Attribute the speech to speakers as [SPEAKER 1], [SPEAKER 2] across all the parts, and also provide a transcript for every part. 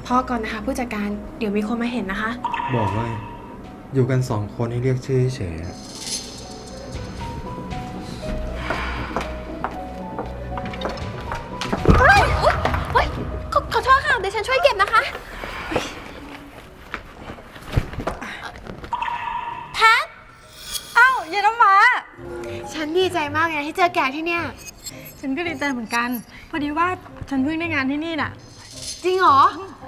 [SPEAKER 1] พอก่อนนะคะผู้จัดการเดี๋ยวมีคนมาเห็นนะคะ
[SPEAKER 2] บอกว่าอยู่กัน2 คนให้เรียกชื่อเฉยๆอะ
[SPEAKER 1] เฮ้ยขอโทษค่ะเดี๋ยวฉันช่วยเก็บนะคะแพท
[SPEAKER 3] อ้าวเย็นน้ำว้า
[SPEAKER 1] ฉันดีใจมากเลยที่เจอแกที่เนี่ย
[SPEAKER 3] ฉันก็ดีใจเหมือนกัน พอดีว่าฉันเพิ่งได้งานที่นี่น่ะ
[SPEAKER 1] จริงเหรอ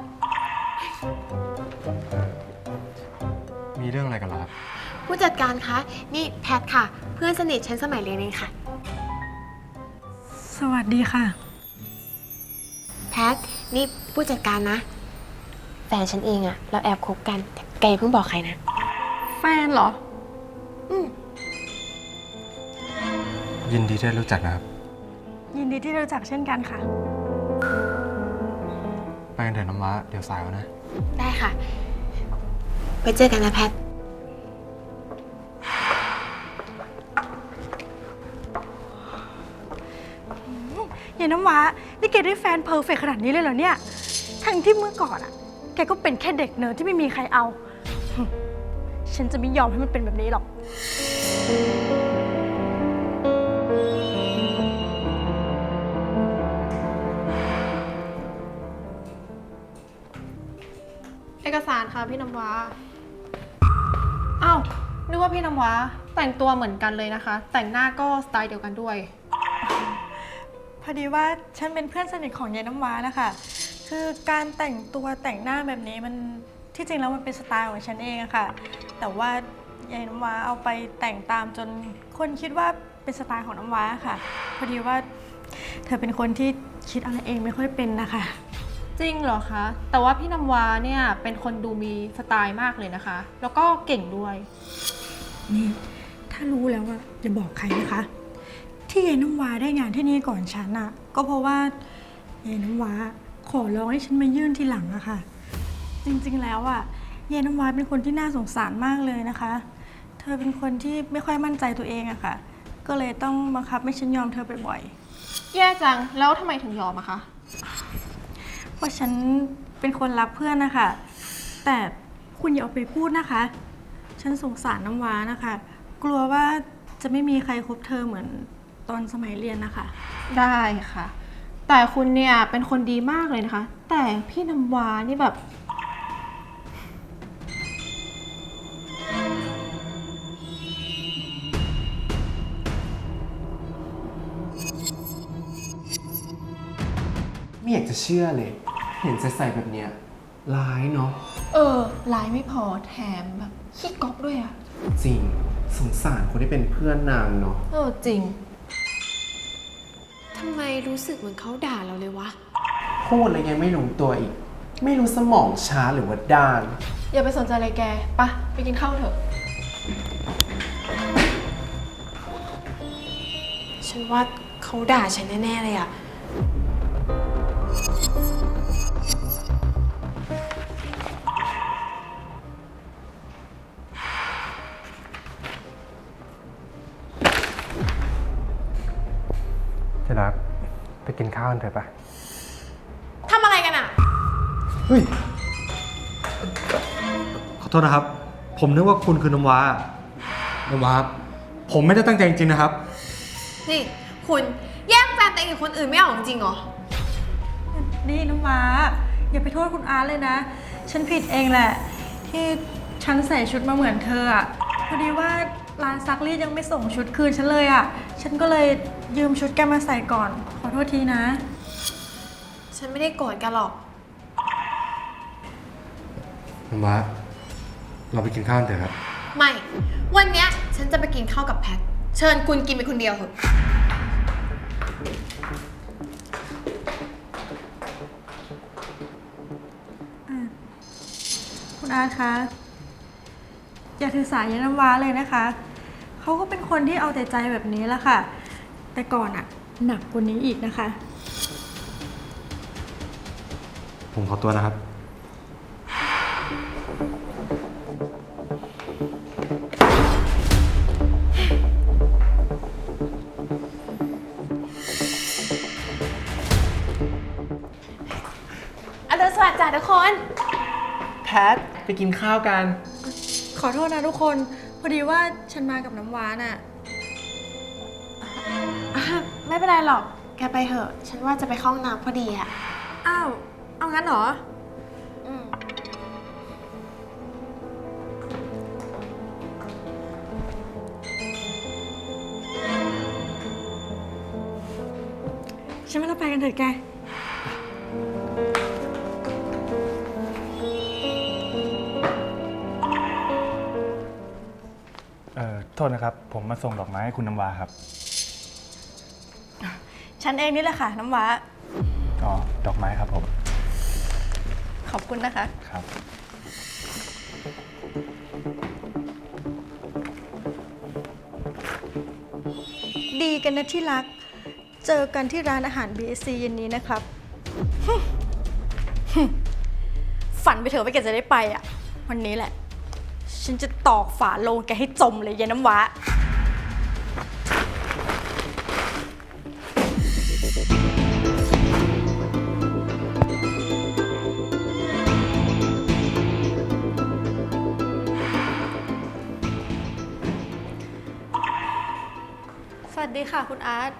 [SPEAKER 2] มีเรื่องอะไรกันล่ะครับ
[SPEAKER 1] ผู้จัดการคะนี่แพทค่ะ เพื่อนสนิทฉันสมัยเรียนเองค่ะ
[SPEAKER 3] สวัสดีค่ะ
[SPEAKER 1] แพทนี่ผู้จัดการนะ แฟนฉันเองอะเราแอบคบกันแต่แกอย่าเพิ่งบอกใครนะ
[SPEAKER 3] แฟนเหรอ
[SPEAKER 2] ยินดีที่ได้รู้จักนะครับ
[SPEAKER 3] ยินดีที่ได้รู้จักเช่นกันค่ะ
[SPEAKER 2] ไปกันเถอะน้ำว้าเดี๋ยวสายแล้วนะ
[SPEAKER 1] ได้ค่ะ ไปเจอกันนะแพท
[SPEAKER 3] เย็นน้ำว้านี่แกได้แฟนเพอร์เฟกต์ขนาดนี้เลยเหรอเนี่ย ทั้งที่เมื่อก่อนอะแกก็เป็นแค่เด็กเนิร์ดที่ไม่มีใครเอา ฉันจะไม่ยอมให้มันเป็นแบบนี้หรอก
[SPEAKER 4] เอกสารค่ะพี่น้ำว้าอ้าวนึกว่าพี่น้ำว้าแต่งตัวเหมือนกันเลยนะคะ แต่งหน้าก็สไตล์เดียวกันด้วย
[SPEAKER 3] พอดีว่าฉันเป็นเพื่อนสนิทของยายน้ำว้านะคะ คือการแต่งตัวแต่งหน้าแบบนี้มันที่จริงแล้วมันเป็นสไตล์ของฉันเองอะค่ะ แต่ว่ายายน้ำว้าเอาไปแต่งตามจนคนคิดว่าเป็นสไตล์ของน้ำว้าค่ะ พอดีว่าเธอเป็นคนที่คิดอะไรเองไม่ค่อยเป็นนะคะ
[SPEAKER 4] จริงเหรอคะ แต่ว่าพี่น้ำว้าเนี่ยเป็นคนดูมีสไตล์มากเลยนะคะ แล้วก็เก่งด้วย
[SPEAKER 3] นี่ถ้ารู้แล้วอะอย่าบอกใครนะคะ ที่ยายน้ำว้าได้งานที่นี่ก่อนฉันอะก็เพราะว่ายายน้ำว้าขอร้องให้ฉันมายื่นทีหลังอะค่ะ จริงๆแล้วอะยายน้ำว้าเป็นคนที่น่าสงสารมากเลยนะคะ เธอเป็นคนที่ไม่ค่อยมั่นใจตัวเองอะค่ะ ก็เลยต้องบังคับให้ฉันยอมเธอบ่อย
[SPEAKER 4] แย่จัง แล้วทำไมถึงยอมอะคะ
[SPEAKER 3] ๆเพราะฉันเป็นคนรักเพื่อนนะคะแต่คุณอย่าเอาไปพูดนะคะ ฉันสงสารน้ำว้านะคะ กลัวว่าจะไม่มีใครคบเธอเหมือนตอนสมัยเรียนนะคะ
[SPEAKER 4] ได้ค่ะ แต่คุณเนี่ยเป็นคนดีมากเลยนะคะ แต่พี่น้ำว้านี่แบบ
[SPEAKER 5] ไม่อยากจะเชื่อเลย เห็นใส่แบบเนี้ยร้ายเนาะ
[SPEAKER 4] ลายไม่พอแถมแบบขี้ก๊อกด้วยอะ
[SPEAKER 5] จริงสงสารคนที่เป็นเพื่อนนางเนาะ
[SPEAKER 4] จริง
[SPEAKER 1] ทำไมรู้สึกเหมือนเขาด่าเราเลยวะ
[SPEAKER 5] พูดอะไรยังไม่รู้ตัวอีก ไม่รู้สมองช้าหรือว่าด้าน
[SPEAKER 4] อย่าไปสนใจอะไรแกปะไปกินข้าวเถอะ
[SPEAKER 1] ฉันว่าเขาด่าฉันแน่ๆเลยอะ
[SPEAKER 2] ที่รักไปกินข้าวกันเถอะปะ
[SPEAKER 1] ทำอะไรกันอะ
[SPEAKER 2] เฮ้ย ขอโทษนะครับ ผมนึกว่าคุณคือน้ำว้า น้ำว้า ผมไม่ได้ตั้งใจจริงๆนะครับ
[SPEAKER 1] นี่คุณแย่งแฟนตัวเองกับคนอื่นไม่ออกจริงเหรอ
[SPEAKER 3] นี่น้ำว้าอย่าไปโทษคุณอาร์ตเลยนะ ฉันผิดเองแหละ ที่ฉันใส่ชุดมาเหมือนเธออะพอดีว่าร้านซักรีดยังไม่ส่งชุดคืนฉันเลยอะฉันก็เลยยืมชุดแกมาใส่ก่อน ขอโทษทีนะ
[SPEAKER 1] ฉันไม่ได้โกรธกันหรอก
[SPEAKER 2] น้ำว้า เราไปกินข้าวกันเถอะครับ
[SPEAKER 1] ไม่ วันเนี้ยฉันจะไปกินข้าวกับแพท เชิญคุณกินไปคนเดียวเถอะ
[SPEAKER 3] คุณอาร์ตคะอย่าถือสายยายน้ำว้าเลยนะคะ เขาก็เป็นคนที่เอาแต่ใจแบบนี้แหละค่ะ แต่ก่อนอะหนักกว่านี้อีกนะคะ
[SPEAKER 2] ผมขอตัวนะครับ
[SPEAKER 1] วัสดีจ้ะทุกคน
[SPEAKER 5] แพทไปกินข้าวกัน
[SPEAKER 3] ขอโทษนะทุกคน พอดีว่าฉันมากับน้ำว้าน่ะ
[SPEAKER 1] ไม่เป็นไรหรอก แกไปเถอะ ฉันว่าจะไปเข้าห้องน้ำพอดีอะ
[SPEAKER 3] อ้าว เอางั้นเหรอ
[SPEAKER 1] อืม
[SPEAKER 3] ฉันว่าเราไปกันเถอะแก
[SPEAKER 2] โทษนะครับ ผมมาส่งดอกไม้ให้คุณน้ำวาครับ
[SPEAKER 3] ฉันเองนี่แหละค่ะ น้ำว้า
[SPEAKER 2] อ๋อ ดอกไม้ครับผม
[SPEAKER 3] ขอบคุณนะคะ
[SPEAKER 2] ครับ
[SPEAKER 3] ดีกันนะที่รัก เจอกันที่ร้านอาหาร BSC เย็นนี้นะครับ ฝันไปเถอะว่าแกจะได้ไปอ่ะ วันนี้แหละ ฉันจะตอกฝาโลงแกให้จมเลยยายน้ำว้า สวัสดีค่ะคุณอาร์ต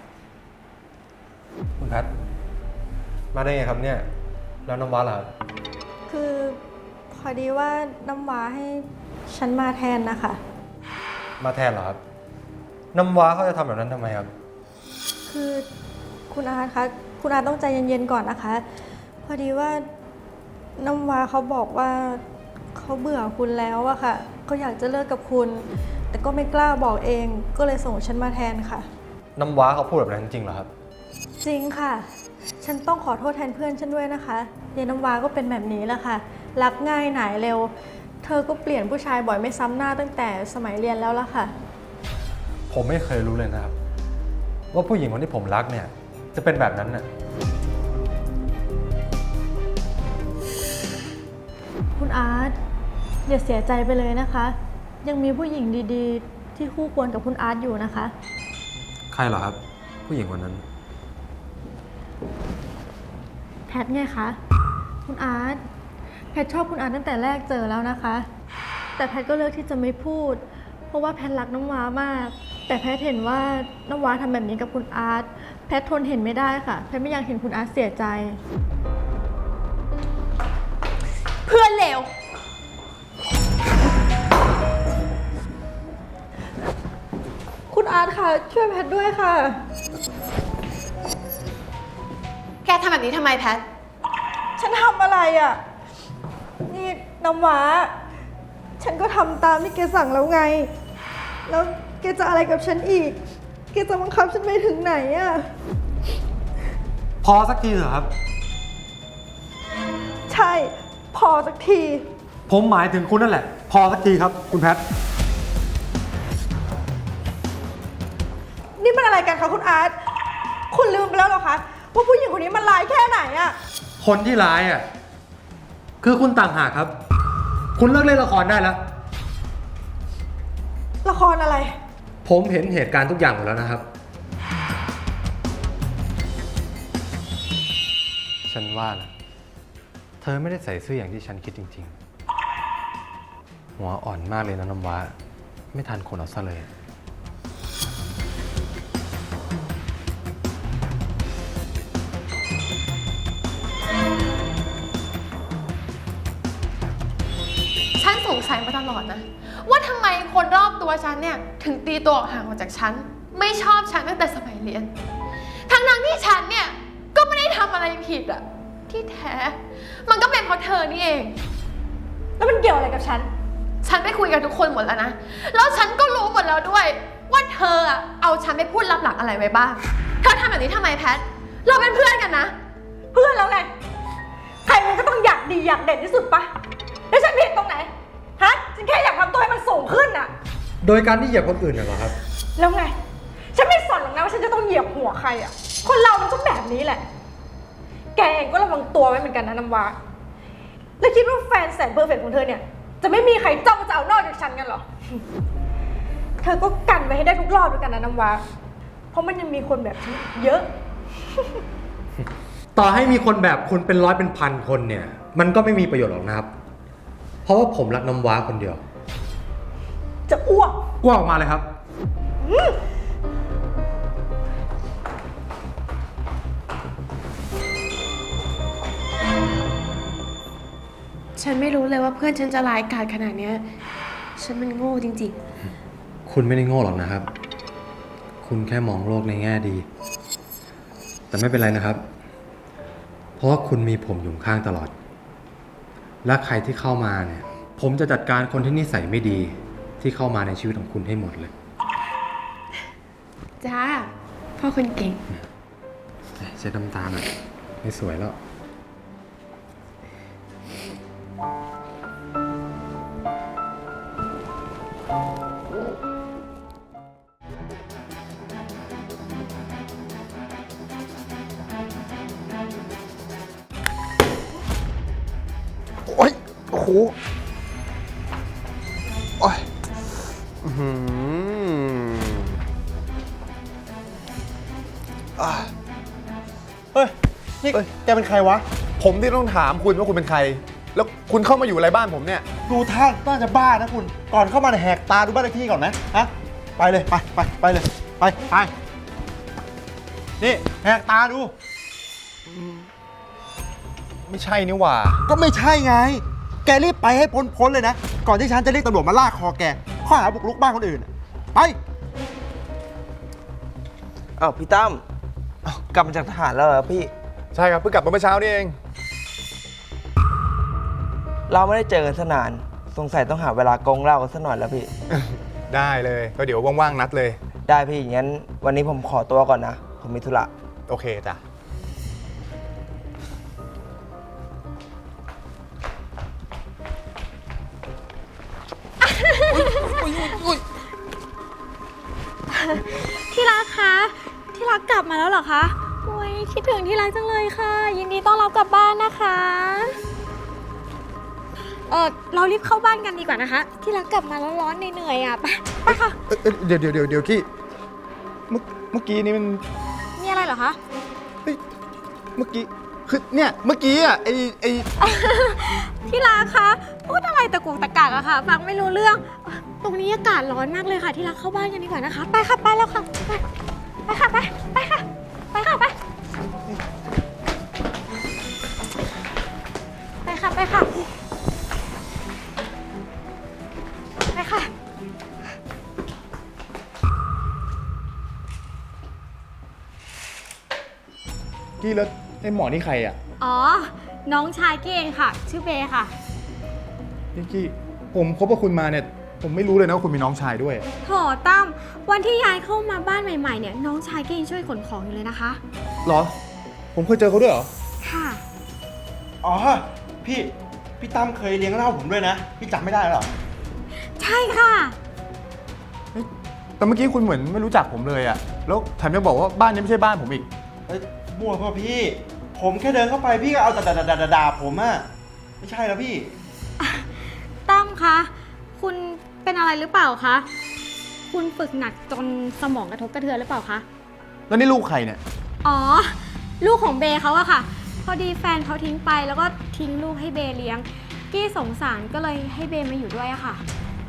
[SPEAKER 2] คุณแพทมาได้ไงครับเนี่ย แล้วน้ำวาล่ะครับ
[SPEAKER 3] คือพอดีว่าน้ำว้าให้ฉันมาแทนนะคะ
[SPEAKER 2] มาแทนเหรอครับ น้ำวาเขาจะทำแบบนั้นทำไมครับ
[SPEAKER 3] คือคุณอาร์ตคะ คุณอาร์ตต้องใจเย็นๆก่อนนะคะ พอดีว่าน้ำว้าเขาบอกว่าเขาเบื่อคุณแล้วอะค่ะเขาอยากจะเลิกกับคุณ แต่ก็ไม่กล้าบอกเอง ก็เลยส่งฉันมาแทนค่ะ
[SPEAKER 2] น้ำวาเขาพูดแบบนั้นจริงเหรอครับ
[SPEAKER 3] จริงค่ะ ฉันต้องขอโทษแทนเพื่อนฉันด้วยนะคะยายน้ำว้าก็เป็นแบบนี้แหละค่ะ รักง่ายหน่ายเร็ว เธอก็เปลี่ยนผู้ชายบ่อยไม่ซ้ำหน้าตั้งแต่สมัยเรียนแล้วล่ะค่ะ
[SPEAKER 2] ผมไม่เคยรู้เลยนะครับ ว่าผู้หญิงคนที่ผมรักเนี่ย จะเป็นแบบนั้นน่ะ
[SPEAKER 3] คุณอาร์ตอย่าเสียใจไปเลยนะคะ ยังมีผู้หญิงดีๆ ที่คู่ควรกับคุณอาร์ตอยู่นะคะ
[SPEAKER 2] ใครเหรอครับ ผู้หญิงคนนั้น
[SPEAKER 3] แพทไงคะ คุณอาร์ตแพทชอบคุณอาร์ตตั้งแต่แรกเจอแล้วนะคะ แต่แพทก็เลือกที่จะไม่พูด เพราะว่าแพทรักน้ำว้ามาก แต่แพทเห็นว่าน้ำว้าทำแบบนี้กับคุณอาร์ตแพททนเห็นไม่ได้ค่ะ แพทไม่อยากเห็นคุณอาร์ตเสียใจ เพื่อนเลวคุณอาร์ตค่ะช่วยแพทด้วยค่ะ
[SPEAKER 1] แกทำแบบนี้ทำไมแพท
[SPEAKER 3] ฉันทำอะไรอ่ะ นี่น้ำว้า ฉันก็ทำตามที่แกสั่งแล้วไง แล้วแกจะอะไรกับฉันอีก แกจะบังคับฉันไปถึงไหนอ่ะ
[SPEAKER 2] พอสักทีเถอะครับ
[SPEAKER 3] ใช่ พอสักที
[SPEAKER 2] ผมหมายถึงคุณนั่นแหละ พอสักทีครับ คุณแพท
[SPEAKER 3] นี่มันอะไรกันคะคุณอาร์ต คุณลืมไปแล้วเหรอคะ ว่าผู้หญิงคนนี้มันร้ายแค่ไหนอ่ะ
[SPEAKER 2] คนที่ร้ายอ่ะ คือคุณต่างหากครับ คุณเลิกเล่นละครได้แล้ว
[SPEAKER 3] ละครอะไร
[SPEAKER 2] ผมเห็นเหตุการณ์ทุกอย่างหมดแล้วนะครับ ฉันว่านะเธอไม่ได้ใส่เสื้ออย่างที่ฉันคิดจริงๆ หัวอ่อนมากเลยนะน้ำว้า ไม่ทันคนเอาซะเลย
[SPEAKER 4] ฉันสงสัยมาตลอดนะ ว่าทำไมคนรอบตัวฉันเนี่ย ถึงตีตัวออกห่างออกจากฉัน ไม่ชอบฉันตั้งแต่สมัยเรียน ทั้งที่ฉันเนี่ย ก็ไม่ได้ทำอะไรผิดอะที่แท้ มันก็เป็นเพราะเธอนี่เอง
[SPEAKER 3] แล้วมันเกี่ยวอะไรกับฉัน
[SPEAKER 4] ฉันไปคุยกับทุกคนหมดแล้วนะ แล้วฉันก็รู้หมดแล้วด้วย ว่าเธออะเอาฉันไปพูดลับหลังอะไรไว้บ้าง เธอทำแบบนี้ทำไมแพท เราเป็นเพื่อนกันนะ
[SPEAKER 3] เพื่อนแล้วไง ใครมันก็ต้องอยากดีอยากเด่นที่สุดปะแล้วฉันผิดตรงไหน ฮะ ฉันแค่อยากทำตัวให้มันสูงขึ้นอะ
[SPEAKER 2] โดยการที่เหยียบคนอื่นน่ะเหรอครับ
[SPEAKER 3] แล้วไง ฉันไม่สนหรอกนะว่าฉันจะต้องเหยียบหัวใครอะคนเรามันก็แบบนี้แหละ แกเองก็ระวังตัวไว้เหมือนกันนะน้ำว้า แล้วคิดว่าแฟนแสนเพอร์เฟกต์ของเธอเนี่ย จะไม่มีใครจ้องจะเอานอกจากฉันกันเหรอ เธอก็กันไว้ให้ได้ทุกรอบด้วยกันนะน้ำว้า เพราะมันยังมีคนแบบฉันอีกเยอะ
[SPEAKER 2] ต่อให้มีคนแบบคุณเป็นร้อยเป็นพันคนเนี่ย มันก็ไม่มีประโยชน์หรอกนะครับ เพราะว่าผมรักน้ำว้าคนเดียว
[SPEAKER 3] จะอ้วก
[SPEAKER 2] อ้วกออกมาเลยครับ
[SPEAKER 1] ฉันไม่รู้เลยว่าเพื่อนฉันจะร้ายกาจขนาดเนี้ยฉันมันโง่จริง
[SPEAKER 2] คุณไม่ได้โง่หรอกนะครับ คุณแค่มองโลกในแง่ดี แต่ไม่เป็นไรนะครับ เพราะว่าคุณมีผมอยู่ข้างตลอด และใครที่เข้ามาเนี่ย ผมจะจัดการคนที่นิสัยไม่ดีที่เข้ามาในชีวิตของคุณให้หมดเลย
[SPEAKER 1] ๆ จ้า พ่อคนเก่ง
[SPEAKER 2] เช็ดน้ำตาหน่อยไม่สวยแล้ว
[SPEAKER 6] โอ๊ย โอ้โห โอ๊ยอื้อหืออ่ะ
[SPEAKER 7] เฮ้ย นี่แกเป็นใครวะ
[SPEAKER 6] ผมที่ต้องถามคุณว่าคุณเป็นใคร แล้วคุณเข้ามาอยู่อะไรบ้านผมเนี่ย
[SPEAKER 7] ดูท่าน่าจะบ้านะคุณ ก่อนเข้ามาเนี่ยแหกตาดูบ้านเลขที่ก่อนนะฮะไปเลย ไปเลย ไป นี่แหกตาดู
[SPEAKER 6] ไม่ใช่นี่หว่า
[SPEAKER 7] ก็ไม่ใช่ไง แกรีบไปให้พ้นเลยนะ ก่อนที่ฉันจะเรียกตำรวจมาลากคอแก ข้อหาบุกรุกบ้านคนอื่น ไป
[SPEAKER 8] อ้าวพี่ตั้มอ้าวกลับมาจากทหารแล้วเหรอพี่
[SPEAKER 6] ใช่ครับ เพิ่งกลับมาเมื่อเช้านี่เอง
[SPEAKER 8] เราไม่ได้เจอกันสนาน สงสัยต้องหาเวลากงเหล้ากันสักหน่อยแล้วพี่
[SPEAKER 6] ได้เลย ก็เดี๋ยวว่างๆนัดเลย
[SPEAKER 8] ได้พี่งั้นวันนี้ผมขอตัวก่อนนะ ผมมีธุระ
[SPEAKER 6] โอเคจ้ะ
[SPEAKER 3] ที่รักคะ ที่รักกลับมาแล้วเหรอคะ โอ้ยคิดถึงที่รักจังเลยค่ะ ยินดีต้อนรับกลับบ้านนะคะ เรารีบเข้าบ้านกันดีกว่านะคะ ที่รักกลับมาแล้วร้อนเหนื่อยๆอ่ะ ไปค่ะ
[SPEAKER 6] เดี๋ยวกี้เมื่อกี้นี้มัน
[SPEAKER 3] มีอะไรเหรอคะ
[SPEAKER 6] เมื่อกี้ คือเนี่ยเมื่อกี้อ่ะไอ
[SPEAKER 3] ที่รักคะพูดอะไรตะกุกตะกักอะค่ะ ฟังไม่รู้เรื่อง ตรงนี้อากาศร้อนมากเลยค่ะ ที่รักเข้าบ้านกันดีกว่านะคะ ไปค่ะ ไปแล้วค่ะ ไปค่ะ ไปค่ะ ไปค่ะ ไปค่ะ ไปค่ะ ไปค่ะ
[SPEAKER 6] กี้แล้วไอหมอนี่ใครอ่ะ
[SPEAKER 3] อ๋อ น้องชายกี้เองค่ะ ชื่อเบย์ค่ะ
[SPEAKER 6] กี้ผมคบกับคุณมาเนี่ย ผมไม่รู้เลยนะว่าคุณมีน้องชายด้วย
[SPEAKER 3] โถตั้ม วันที่ย้ายเข้ามาบ้านใหม่ๆเนี่ย น้องชายกี้ยังช่วยขนของอยู่เลยนะคะ
[SPEAKER 6] เหรอ ผมเคยเจอเขาด้วยเหรอ
[SPEAKER 3] ค่ะ
[SPEAKER 7] อ๋อ พี่ตั้มเคยเลี้ยงเหล้าผมด้วยนะ พี่จำไม่ได้หรอ
[SPEAKER 3] ใช่ค่ะ
[SPEAKER 6] แต่เมื่อกี้คุณเหมือนไม่รู้จักผมเลยอะแล้วแถมยังบอกว่าบ้านนี้ไม่ใช่บ้านผมอีก
[SPEAKER 7] เอ้ยมั่วเปล่าพี่ ผมแค่เดินเข้าไปพี่ก็เอาแต่ด่าผมอะไม่ใช่แล้วพี่
[SPEAKER 3] ตั้มคะ คุณเป็นอะไรหรือเปล่าคะ คุณฝึกหนักจนสมองกระทบกระเทือนหรือเปล่าคะ
[SPEAKER 6] แล้วนี่ลูกใครเนี่ย
[SPEAKER 3] อ๋อ ลูกของเบย์เขาอะค่ะ พอดีแฟนเขาทิ้งไปแล้วก็ทิ้งลูกให้เบย์เลี้ยง กี้สงสารก็เลยให้เบย์มาอยู่ด้วยอะค่ะ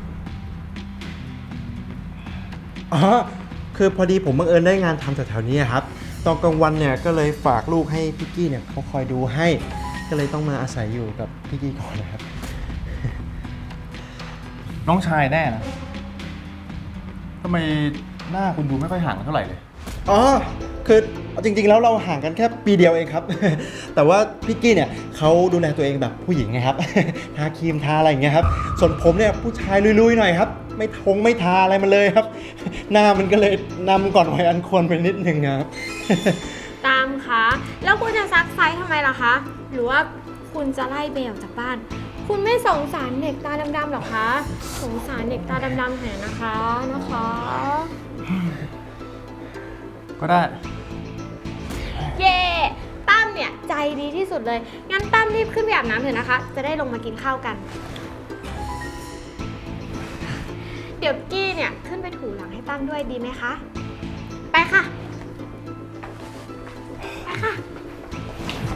[SPEAKER 7] อ๋อ คือพอดีผมบังเอิญได้งานทำแถวๆนี้ครับ ตอนกลางวันเนี่ยก็เลยฝากลูกให้พี่กี้เนี่ยเขาคอยดูให้ ก็เลยต้องมาอาศัยอยู่กับพี่กี้ก่อนนะครับ
[SPEAKER 6] น้องชายแน่นะทำไมหน้าคุณดูไม่ค่อยห่างกันเท่าไหร่เลย
[SPEAKER 7] อ๋อ คือจริงๆแล้วเราห่างกันแค่ปีเดียวเองครับ แต่ว่าพี่กี้เนี่ยเขาดูแลตัวเองแบบผู้หญิงไงครับ ทาครีมทาอะไรอย่างเงี้ยครับ ส่วนผมเนี่ยผู้ชายลุยๆหน่อยครับ ไม่ทาอะไรมันเลยครับ หน้ามันก็เลยนำก่อนวัยอันควรไปนิดนึงครับ
[SPEAKER 3] ตามคะ แล้วคุณจะซักไซส์ทำไมล่ะคะ หรือว่าคุณจะไล่เบย์ออกจากบ้าน คุณไม่สงสารเด็กตาดำๆหรอคะ สงสารเด็กตาดำๆแทนนะคะ
[SPEAKER 6] ก็ได้
[SPEAKER 3] เย่ตั้มเนี่ยใจดีที่สุดเลย งั้นตั้มรีบขึ้นไปอาบน้ำเถอะนะคะ จะได้ลงมากินข้าวกัน เดี๋ยวกี้เนี่ยขึ้นไปถูหลังให้ตั้มด้วยดีไหมคะ ไปค่ะ ไปค่ะ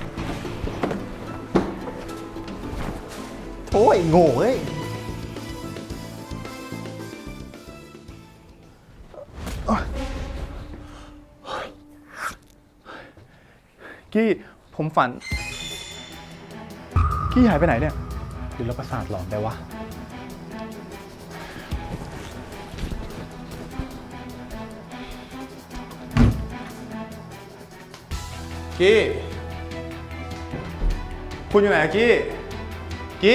[SPEAKER 7] โอ้ยโง่เอ้ย
[SPEAKER 6] กี้ผมฝัน กี้หายไปไหนเนี่ยหรือเราประสาทหลอนได้วะ กี้ คุณอยู่ไหนอะกี้ กี้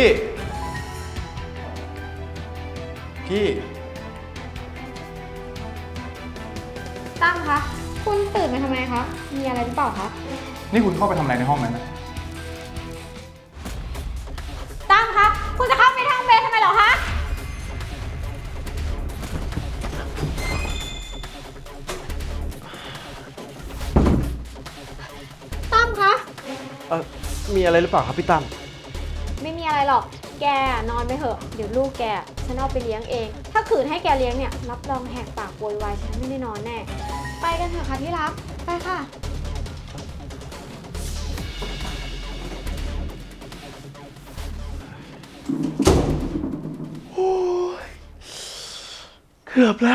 [SPEAKER 6] กี้
[SPEAKER 1] ตั้มคะ คุณตื่นมาทำไมคะ มีอะไรหรือเปล่าคะ
[SPEAKER 6] นี่คุณเข้าไปทำอะไรในห้องนั้นนะ
[SPEAKER 1] ตั้มคะ คุณจะเข้าไปทางเบนทำไมเหรอคะ ตั้มคะ
[SPEAKER 7] มีอะไรหรือเปล่าครับพี่ตั้ม
[SPEAKER 1] ไม่มีอะไรหรอก แกนอนไปเถอะ เดี๋ยวลูกแกฉันเอาไปเลี้ยงเอง ถ้าขืนให้แกเลี้ยงเนี่ย รับรองแหกปากโวยวายฉันไม่ได้นอนแน่ ไปกันเถอะค่ะที่รัก ไปค่ะ
[SPEAKER 7] เกือบแล้ว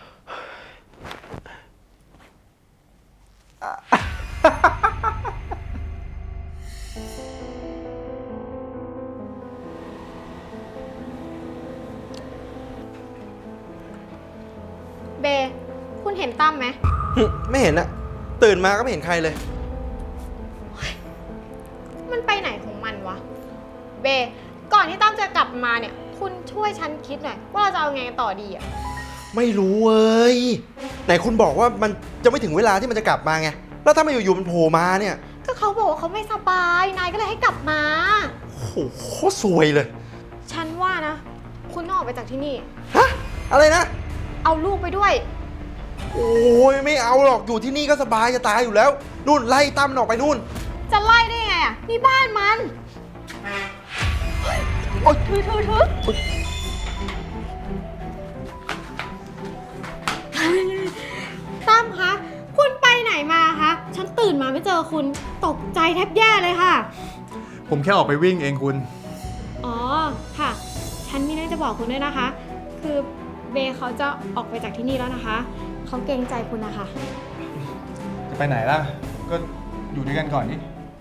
[SPEAKER 1] เบ คุณเห็นตั้มไหม
[SPEAKER 7] ไม่เห็นอะตื่นมาก็ไม่เห็นใครเลย
[SPEAKER 1] มันไปไหนของมันวะ เบ ก่อนที่ตั้มจะกลับมาเนี่ย คุณช่วยฉันคิดหน่อยว่าเราจะเอาไงกันต่อดีอะ
[SPEAKER 7] ไม่รู้เว้ย ไหนคุณบอกว่ามันจะไม่ถึงเวลาที่มันจะกลับมาไง แล้วถ้ามันอยู่ๆมันโผล่มาเนี่ย
[SPEAKER 1] ก็เขาบอกว่าเขาไม่สบาย นายก็เลยให้กลับมา
[SPEAKER 7] โอ้โหโคตรซวยเลย
[SPEAKER 1] ฉันว่านะ คุณต้องออกไปจากที่นี่
[SPEAKER 7] ฮะ อะไรนะ
[SPEAKER 1] เอาลูกไปด้วย
[SPEAKER 7] โอ้ยไม่เอาหรอก อยู่ที่นี่ก็สบายจะตายอยู่แล้ว นู่นไล่ตั้มมันออกไปนู่น
[SPEAKER 1] จะไล่ได้ไงอ่ะ นี่บ้านมัน
[SPEAKER 7] โอ๊ย
[SPEAKER 1] ถือตั้มคะ คุณไปไหนมาคะ ฉันตื่นมาไม่เจอคุณ ตกใจแทบแย่เลยค่ะ
[SPEAKER 6] ผมแค่ออกไปวิ่งเองคุณ
[SPEAKER 1] อ๋อ ค่ะ ฉันมีเรื่องจะบอกคุณด้วยนะคะ คือเบย์เขาจะออกไปจากที่นี่แล้วนะคะ เขาเกรงใจคุณนะคะ
[SPEAKER 6] จะไปไหนล่ะ ก็อยู่ด้วยกันก่อนนี่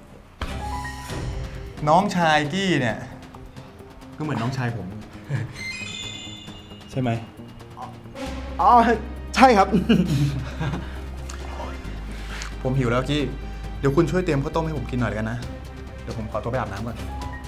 [SPEAKER 6] น้องชายกี้เนี่ย ก็เหมือนน้องชายผม ใช่ไหม
[SPEAKER 7] อ๋อ ใช่ครับ
[SPEAKER 6] ผมหิวแล้วกี้ เดี๋ยวคุณช่วยเตรียมข้าวต้มให้ผมกินหน่อยเลยกันนะ เดี๋ยวผมขอตัวไปอาบน้ำก่อน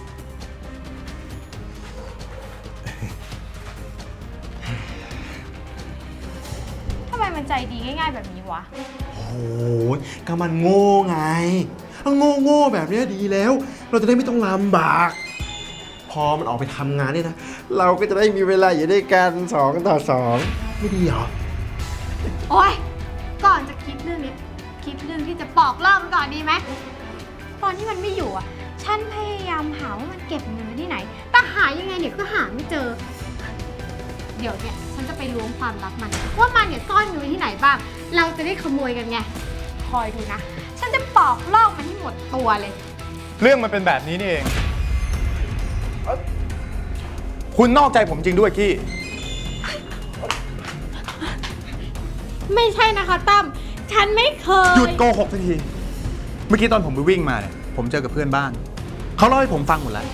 [SPEAKER 1] ทำไมมันใจดีง่ายๆแบบนี้วะ
[SPEAKER 7] โอ้ยก็มันโง่ไงโง่แบบนี้ดีแล้ว เราจะได้ไม่ต้องลำบาก พอมันออกไปทำงานเนี่ยนะ เราก็จะได้มีเวลาอยู่ด้วยกัน2 ต่อ 2ไม่ดีเหรอ
[SPEAKER 1] โอ๊ย ก่อนจะคิดเรื่องนี้ คิดเรื่องที่จะปอกเล่ามันก่อนดีไหม ตอนที่มันไม่อยู่อ่ะ ฉันพยายามหาว่ามันเก็บเงินไว้ที่ไหน แต่หายังไงเนี่ยก็หาไม่เจอ เดี๋ยวเนี่ยฉันจะไปล้วงความลับมัน ว่ามันเนี่ยซ่อนอยู่ที่ไหนบ้าง เราจะได้ขโมยกันไง คอยดูนะ ฉันจะปอกลอกมันให้หมดตัวเลย
[SPEAKER 6] เรื่องมันเป็นแบบนี้นี่เอง คุณนอกใจผมจริงด้วยกี้
[SPEAKER 1] ไม่ใช่นะคะตั้ม ฉันไม่เคย
[SPEAKER 6] หยุดโกหกสักที เมื่อกี้ตอนผมไปวิ่งมาเนี่ย ผมเจอกับเพื่อนบ้าน เขาเล่าให้ผมฟังหมดแล้ว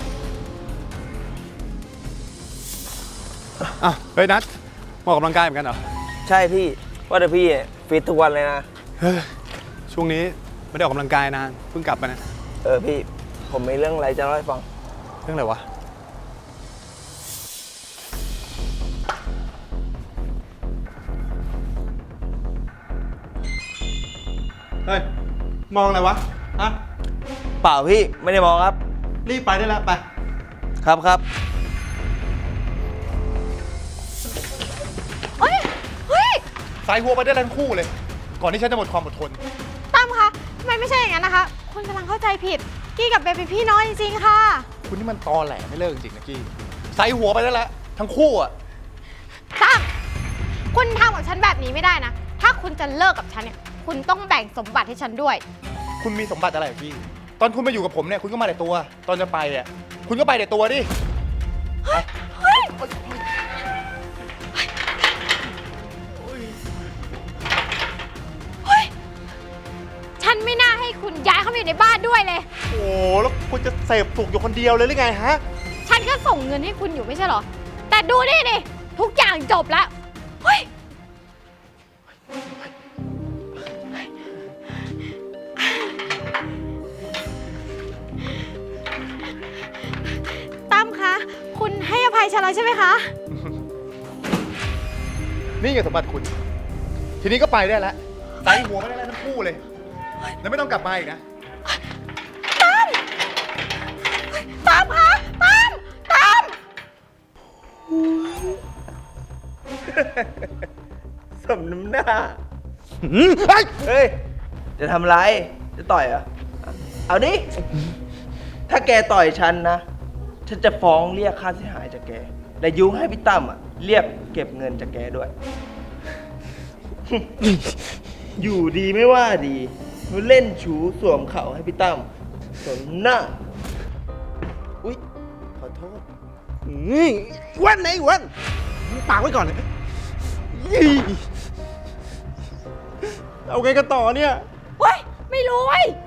[SPEAKER 6] อ่ะเฮ้ยนัทมาออกกำลังกายเหมือนกันเหรอ
[SPEAKER 8] ใช่พี่ ว่าแต่พี่ฟิตทุกวันเลยนะ
[SPEAKER 6] เฮ้ย ช่วงนี้ไม่ได้ออกกำลังกายนาน เพิ่งกลับมานะ
[SPEAKER 8] พี่ ผมมีเรื่องอะไรจะเล่าให้ฟัง
[SPEAKER 6] เรื่องอะไรวะ
[SPEAKER 7] เฮ้ย มองอะไรวะ ฮะ
[SPEAKER 8] เปล่าพี่ ไม่ได้มองครับ
[SPEAKER 7] รีบไปได้แล้วไป
[SPEAKER 8] ครับ
[SPEAKER 1] เฮ้ย เฮ้ย
[SPEAKER 6] สายหัวไปได้ทั้งคู่เลย ก่อนที่ฉันจะหมดความอดทน
[SPEAKER 1] ตั้มคะทำไมไม่ใช่อย่างนั้นนะคะ คุณกำลังเข้าใจผิด กี้กับเบย์เป็นพี่น้องจริงๆค่ะ
[SPEAKER 6] คุณนี่มันตอแหลไม่เลิกจริงๆนะกี้ใส่หัวไปได้แล้วทั้งคู่อ่ะ
[SPEAKER 1] ตั้ม คุณทำกับฉันแบบนี้ไม่ได้นะ ถ้าคุณจะเลิกกับฉันเนี่ย คุณต้องแบ่งสมบัติให้ฉันด้วย
[SPEAKER 6] คุณมีสมบัติอะไรอะกี้ ตอนคุณมาอยู่กับผมเนี่ยคุณก็มาแต่ตัว ตอนจะไปอ่ะ คุณก็ไปแต่ตัวดิ
[SPEAKER 1] ฉันไม่น่าให้คุณย้ายเข้ามาอยู่ในบ้านด้วยเลย
[SPEAKER 7] โอ้แล้วคุณจะเสพสุกอยู่คนเดียวเลยหรือไงฮะ
[SPEAKER 1] ฉันก็ส่งเงินให้คุณอยู่ไม่ใช่เหรอ แต่ดูนี่ดิ ทุกอย่างจบแล้วเฮ้ยตั้มคะ คุณให้อภัยฉันแล้วใช่ไหมคะ
[SPEAKER 6] นี่ไงสมบัติคุณ ทีนี้ก็ไปได้แล้วใส่หัวไม่ได้แล้วทั้งคู่เลย แล้วไม่ต้องกลับมาอีกนะ
[SPEAKER 1] ตั้มคะตั้มตั้ม
[SPEAKER 8] สมน้ำหน้า เฮ้ย จะทำไร จะต่อยเหรอ เอาดิ ถ้าแกต่อยฉันนะ ฉันจะฟ้องเรียกค่าเสียหายจากแก และยุให้พี่ตั้มอ่ะ เรียกเก็บเงินจากแกด้วย อยู่ดีไม่ว่าดีมาเล่นชูสวมเข่าให้พี่ตั้มสมหน้า อุ๊ย ขอโทษ
[SPEAKER 7] นี่อ้วันไหนอ้วันปากไว้ก่อนเลยเอาไงกันต่อเนี่ย
[SPEAKER 1] เฮ้ย ไม่รู้เว้ย